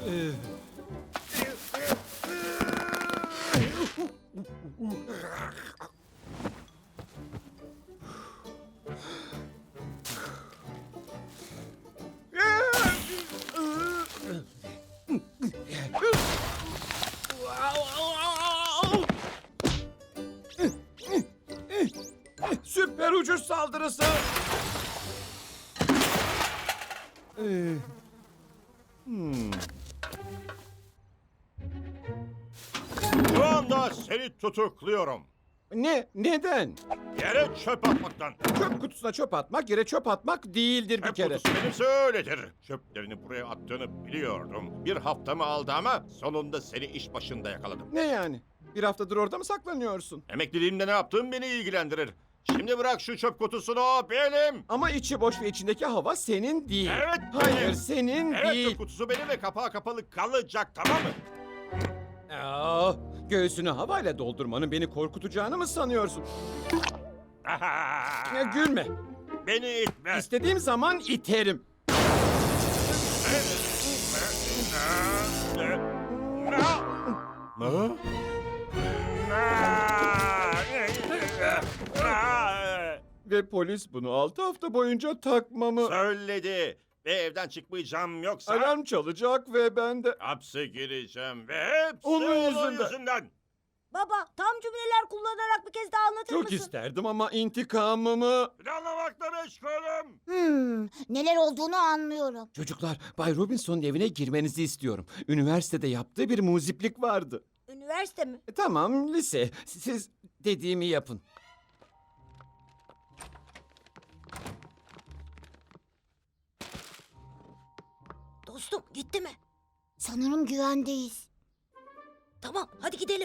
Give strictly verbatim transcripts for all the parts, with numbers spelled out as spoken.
Süper uçuş saldırısı. Ee, hmm. Şu anda seni tutukluyorum. Ne? Neden? Yere çöp atmaktan. Çöp kutusuna çöp atmak yere çöp atmak değildir bir Çöp kere. kutusu benimse öyledir. Çöplerini buraya attığını biliyordum. Bir haftamı aldı ama sonunda seni iş başında yakaladım. Ne yani? Bir haftadır orada mı saklanıyorsun? Emekliliğimde ne yaptığım beni ilgilendirir. Şimdi bırak şu çöp kutusunu, o benim. Ama içi boş ve içindeki hava senin değil. Evet, Hayır, benim. senin Evet, değil. çöp kutusu benim ve kapağı kapalı kalacak, tamam mı? Aa, göğsünü havayla doldurmanın beni korkutacağını mı sanıyorsun? Ya, gülme. Beni itme. İstediğim zaman iterim. Ne? Ve polis bunu altı hafta boyunca takmamı... Söyledi. Ve evden çıkmayacağım, yoksa Alarm çalacak ve ben de... hapse gireceğim ve hepsi Onun onun yüzünden. yüzünden. Baba, tam cümleler kullanarak bir kez daha anlatır Çok mısın? isterdim ama intikamımı... Planlamakla meşgulüm. Hmm, neler olduğunu anlıyorum. Çocuklar, Bay Robinson'un evine girmenizi istiyorum. Üniversitede yaptığı bir muziplik vardı. Üniversite mi? E, tamam, lise. Siz dediğimi yapın. Dostum, gitti mi? Sanırım güvendeyiz. Tamam, hadi gidelim.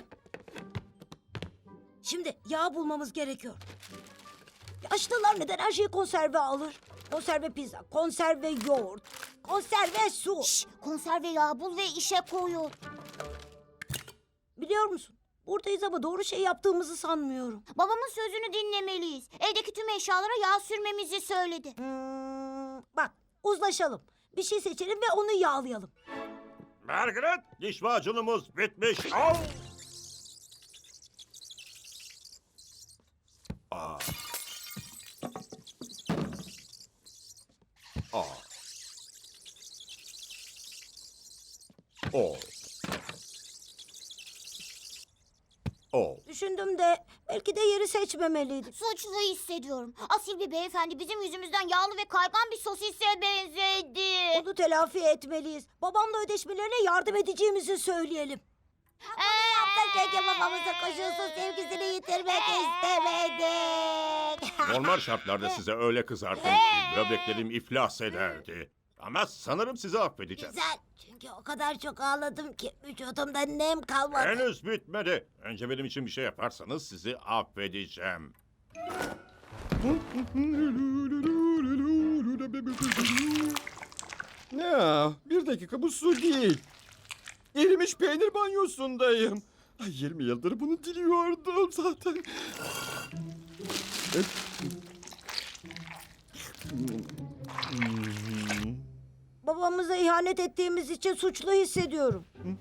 Şimdi yağ bulmamız gerekiyor. Yaşlılar neden her şeyi konserve alır? Konserve pizza, konserve yoğurt, konserve su. Şş, konserve yağ bul ve işe koyul. Biliyor musun? Buradayız ama doğru şey yaptığımızı sanmıyorum. Babamın sözünü dinlemeliyiz. Evdeki tüm eşyalara yağ sürmemizi söyledi. Hmm, bak, uzlaşalım. Bir şey seçelim ve onu yağlayalım. Margaret, diş macunumuz bitmiş. Al. Aa. Aa. O. O. Düşündüm de belki de yeri seçmemeliydim. Suçlu hissediyorum. Asil bir beyefendi bizim yüzümüzden yağlı ve kaygan bir sosise benzedi. Onu telafi etmeliyiz. Babamla ödeşmelerine yardım edeceğimizi söyleyelim. Yaptık çünkü babamızın koşulsuz sevgisini yitirmek istemedik. Normal şartlarda size öyle kızardım ki böbreklerim iflas ederdi. Ama sanırım sizi affedeceğim. Güzel. Çünkü o kadar çok ağladım ki vücudumda nem kalmadı. Henüz bitmedi. Önce benim için bir şey yaparsanız sizi affedeceğim. Ya, bir dakika, bu su değil. Erimiş peynir banyosundayım. Ay, yirmi yıldır bunu diliyordum zaten. Babamıza ihanet ettiğimiz için suçlu hissediyorum.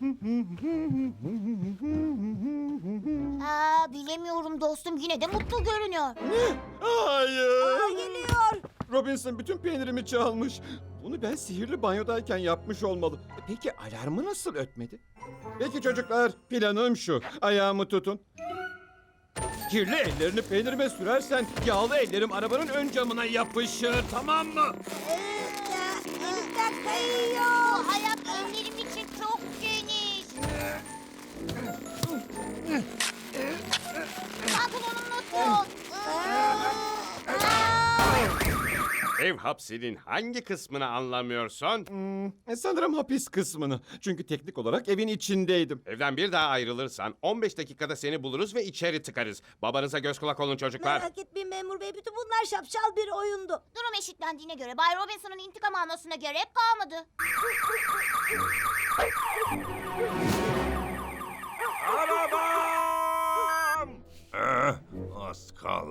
Aa, bilemiyorum dostum, yine de mutlu görünüyor. Hayır. Aa, geliyor. Robinson bütün peynirimi çalmış. Bunu ben sihirli banyodayken yapmış olmalı. E, Peki alarmı nasıl ötmedi? Peki çocuklar, planım şu. Ayağımı tutun. Kirli ellerini peynirime sürersen yağlı ellerim arabanın ön camına yapışır, tamam mı? Elimden kayıyor. Bu ayak ellerim için çok geniş. Pantolonumla tut. Ev hapsinin hangi kısmını anlamıyorsun? Hmm, e, sanırım hapis kısmını. Çünkü teknik olarak evin içindeydim. Evden bir daha ayrılırsan on beş dakikada seni buluruz ve içeri tıkarız. Babanıza göz kulak olun çocuklar. Merak etmeyin memur bey. Bütün bunlar şapşal bir oyundu. Durum eşitlendiğine göre Bay Robinson'ın intikam almasına gerek kalmadı. Arabam! Eh, az kaldı.